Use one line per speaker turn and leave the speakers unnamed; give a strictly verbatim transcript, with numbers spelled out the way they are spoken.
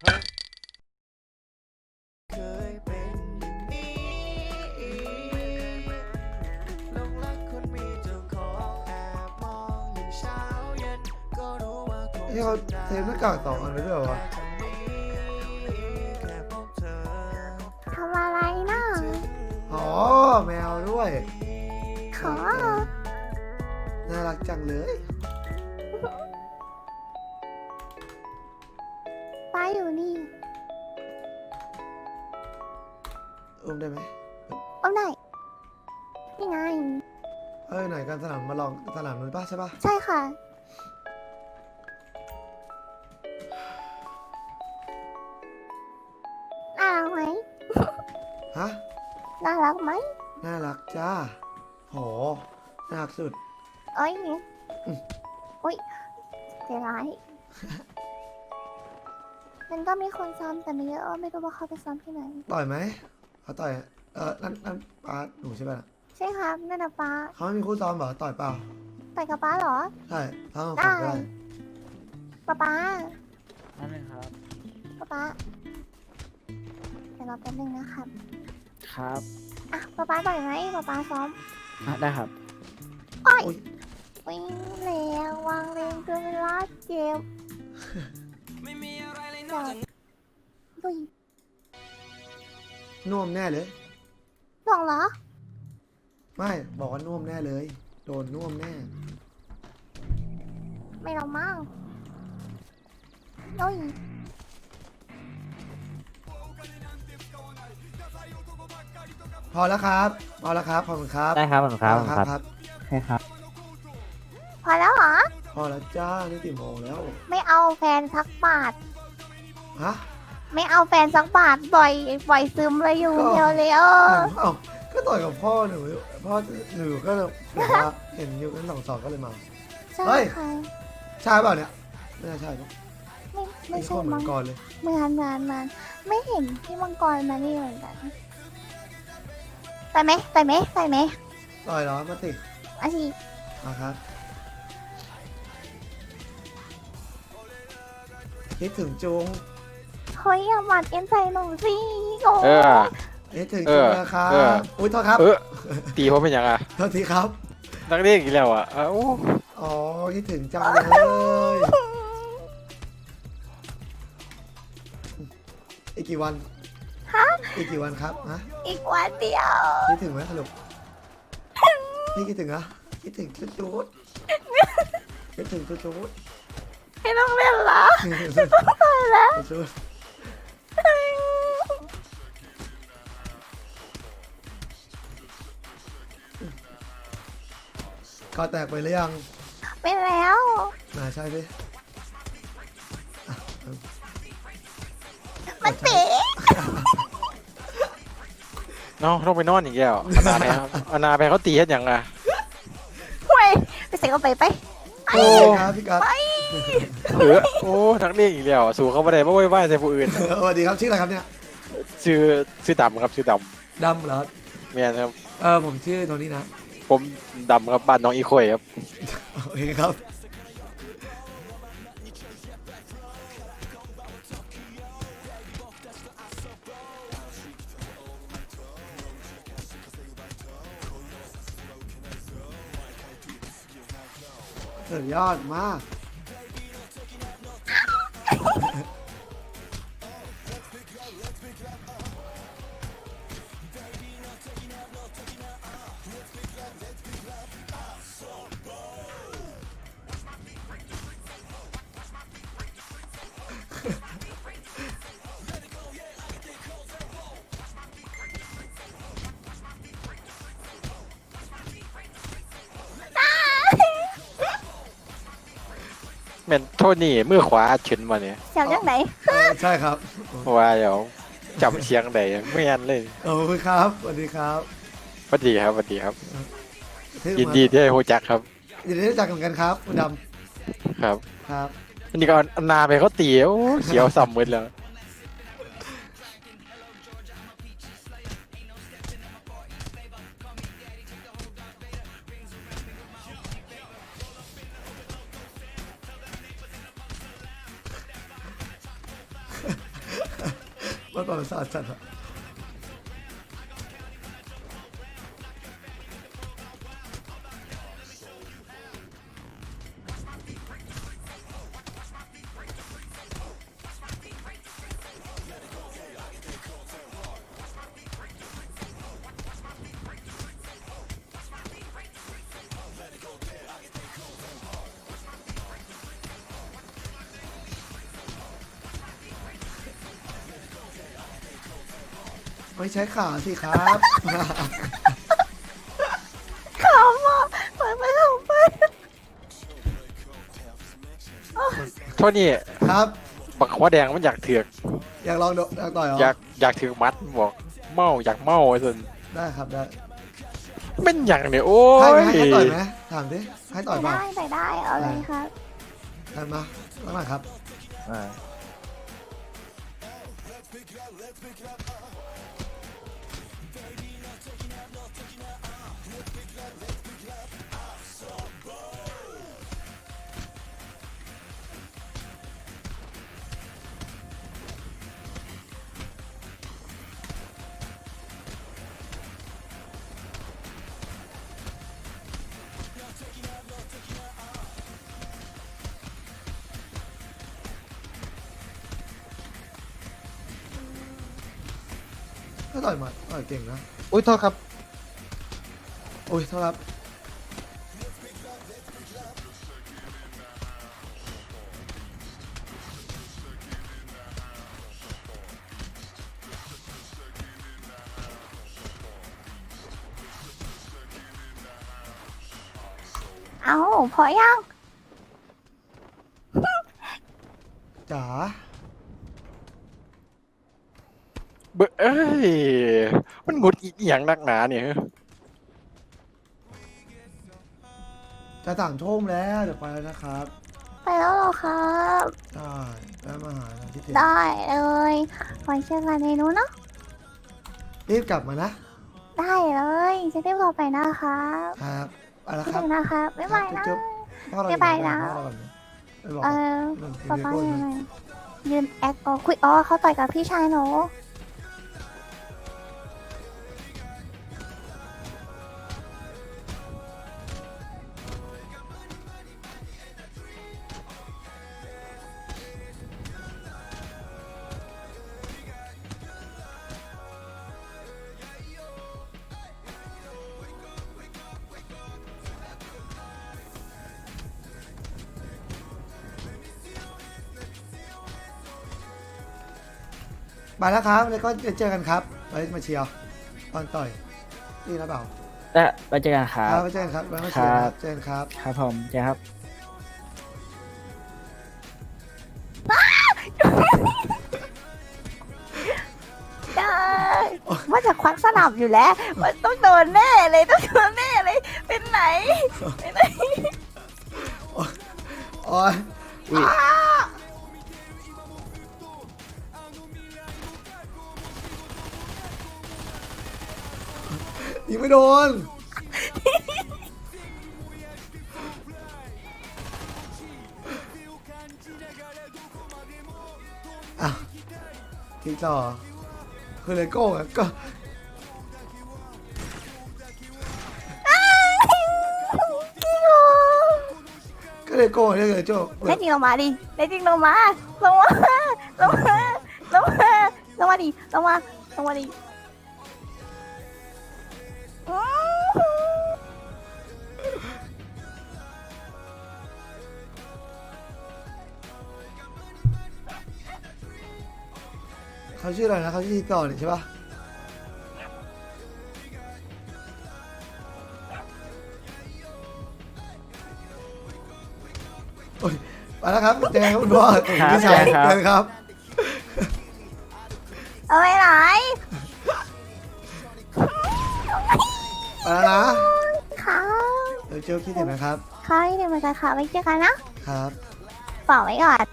เคยเป็นอย่างนี้หลงรักคนมีเจ้าของแอบมองอย่างเช้าเย็นก็รู้ว่าคง
นี่เขาเทปหน้ากากสองอันเลยด้วยเหรอวะ
แค่พบเธอ
ทำอะไรนะ
อ๋อแมวด้วย
ขอ
น่ารักจังเลย
ป้าอยู่นี่
อุ้มได้ไหม
เอาไหนนี่ไง
เอ้ยไหนกันสนามมาลองสนามนู้นป่ะใช่ป่ะ
ใช่ค่ะน่ารักไหม
ฮะ
น่ารักไหม
น่ารักจ้าโหน่ารักสุด
เอ้ย
อืม
อุ้ยเสียร้าย มันก็มีคนซ้อมแต่ไม่เยอะไม่รู้ว่าเขาไปซ้อมที่ไหน
ต่อยไหมเขาต่อยเออนั่นนั่นป้าหนูใช่ป่ะน่ะ
ใช่ครับนั่นนะป้า
เขาไม่มีคู่ซ้อมเหรอต่อยเปล่า
ต่อยกับป้าเหรอ
ใช่ทั้งสอง
ได้
คนก็ได้
ป้าป้า
นั่นเองครับ
ป้าป้าเดี๋ยวรอแป๊บนึงนะครับ
ครับ
อ่ะป้าป้าต่อยไหมป้าป้าซ้อม
อ่ะได้ครับ
อุ๊ย
วิ่งแรงวางแรงจนเวลาเจ็บเดี๋ยวดุย
น่วมแน่เลย
ห่วงเหรอ
ไม่บอกว่าน่วมแน่เลย โดนน่วมแน่
ไม่เรามั่งดุย
พอแล้วครับพอแล้วครับขอบคุณครับ
ได้ครับผมครับ
พอแล้ว
ครับ
ครับ
ใช่ครับ
พอแล้วเหรอ
พอแล้วจ้านี่กี่โมงแล้ว
ไม่เอาแฟนสักบาท
ฮะ
ไม่เอาแฟนสักบาทปล่อยปล่อยซึมเลยอยู่
ก็
เดียวเลยเออ
เอ้าก็ต่อยกับพ่อหนูพ่อหนูก็เลยแบบว่าเห็นอยู่กันสองสองก็เลยมา
ใช่
เฮ้ย
ค่ะ
ใช่เปล่าเนี่ยไม่น่าใช่ปะ
ไม่ไม่
ไม่
ใช่
ใช่เหมือ
มัง
นก่อนเลย
เหมือนเหมือนเหมือนไม่เห็นพี่มังกรมานี่เหมือนกันไปไหมไปไหมไปไหม
ต่อยเหรอมาติ
อาชี
มาครับคิดถึงจุง
เฮ้ยอย่าหมัดเอ็นใส่หนูสิโอ้
เออ
คิดถึง
เอ
จุง
อ
นะครับ
เออ
อุ้ยโทษครับ
เออ ตีผมเป็นยังอ่ะ
โทษทีครับ
นักเรียนอีกแล้วอ่ะเอ้า
อ๋อคิดถึงจังเลยอีกกี่วัน
ฮะ
อีกกี่วันครับฮะ
อีกวันเดียว
คิดถึงไหมสรุปพี่คิดถึงเหรอคิดถึงจุดจุดคิดถึงจุดจุด
ไม่ต้องเล่นเหรอ
ตายแล้วจุดก็แตกไปหรือยัง
ไปแล้ว
น่าใช่ดิอ่ะ
มันเป๋
เนาะต้องไปนอนอีกแล้วอนาไปครับอนาไปเขาตีให้ยังอ่ะ
เว้ยไปใส่กระไปไป
โอ้ครับพี่กัส
เออโอ้นักเรียนอีกแล้วสู้เขาไม่ได้ไม่ไหวไหวใส่ผู้อื่น
สวัสดีครับชื่ออะไรครับเนี่ย
ชื่อชื่อดำครับชื่อด
ดำเหรอ
ำเมียครับ
เออผมชื่อโทนี่นะ
ผมดำครับบ้านน้องอีโคยครับ
โอเคครับสุดยอดมาก
แม่นโทษนี่มือขวาอัดขึ้นมาเนี่ย
เสียงจากไหน
เออใช่ครับ
ว่าเดี๋ยวจำเสียงได้ไม่ยันเลย
ขอบคุณครับสวัสดีครับ
สวัสดีครับสวัสดีครับ
ที่
ยินดีที่ได้รู้จักครับ
ยินดีที่รู้จักกันครับคุณด
ครับ
ำครับ
อันนี้ก็เอานาไปเขาตีโอ้เขียวสัมมืดแล้ว
มันประสาทจัดอะไม่ใช้ขาสิครับ
ขำอ่ะเปิดไปขำไป
โทษนี่
ครับ
บักหัวแดงมันอยากเถือก
อยากลองโดอยากต่อยเหรอ
อยากอยากถือมัดมันบอกเมาอยากเมาไอ้ส่วน
ได้ครับได้
เป็นอย่างเนี่ยโอ้
ให้ไหม
ย
ให้ต่อยไหมถามดิให้ต่อยเปล่า
ได้แต่ได้เอาเลยครับ
ได้มาแล้วมาครับ
อ่า
ถ้าต่อยหมัดต่อยเก่งนะ
อุ้ยโทษครับ
โอ้ยโทษครับ
เอาพอยัง
จ๋า
เบอเอ้ยมันหงุดอีกอย่างนักหนาเนี่ย
จะสั่งทุ่มแล้วเดี๋ยวไปแล้วนะครับ
ไปแล้วเหรอครับ
ได้แล้วมาหาที่ถึง
ได้เลยไว้เจอกันในนู้นเนาะ
รีบกลับมานะ
ได้เลยจะได้รอไปนะครับ
ครับไปแล้ว
คิด
ครับ
ถึงนะครับบ๊ายบายนะ
จุ๊บพ่อเรา
บ๊ายบายนะ
พ่อเราก่อนนะไปบอก
เออ
มัน
ป๊า
มี
ป้า
โก้
ยัง
ไหม
ไงยืนแอคก็คุยอ๋อเขาต่อยกับพี่ชายหนู
ไปแล้วครับแล้วก็เจอกันครับไว้มาเชียร์ตอนต่อยนี่นะเปล่า
และไปเจอกันครั
ครับ บไว้เจอกันครับไว้มาเชียร์ครับเจอกันครับ
ครับผมเจอครับ
ได้ว่าจะควักสนับอยู่แล้วมันต้องโดนแน่เลยต้องโดนแน่เลยเป็นไหนเป็นไหน
โอ้ย
อุ๊ย
อ้ายิงไม่โดน อ่ะทีต่อคือเลโก้อะก็ ก็เลโก้เนี่ยเลยโจ้
แน่จริงลงมาดิแน่จริงลงมาลงมาลงมาลงมาลงมาดิลงมาลงมาดิอื้อหือ
เขาชื่ออะไรนะเขาชื่อทีต่อเนี่ยใช่ปะโอ้ยไปแล้วครับเจอกันคุณพ่อ
ครับ
พี่ชาย
เจอกันครับ
เจอกันครับ
เอาไปไหน
ไปแล้วนะ
ค่ะ
เดี๋ยวเจอคิดถึงนะครับ
ค่ะที่เดินมากันค่ะไว้เจอกันนะครับ เป่าไว้ก่อน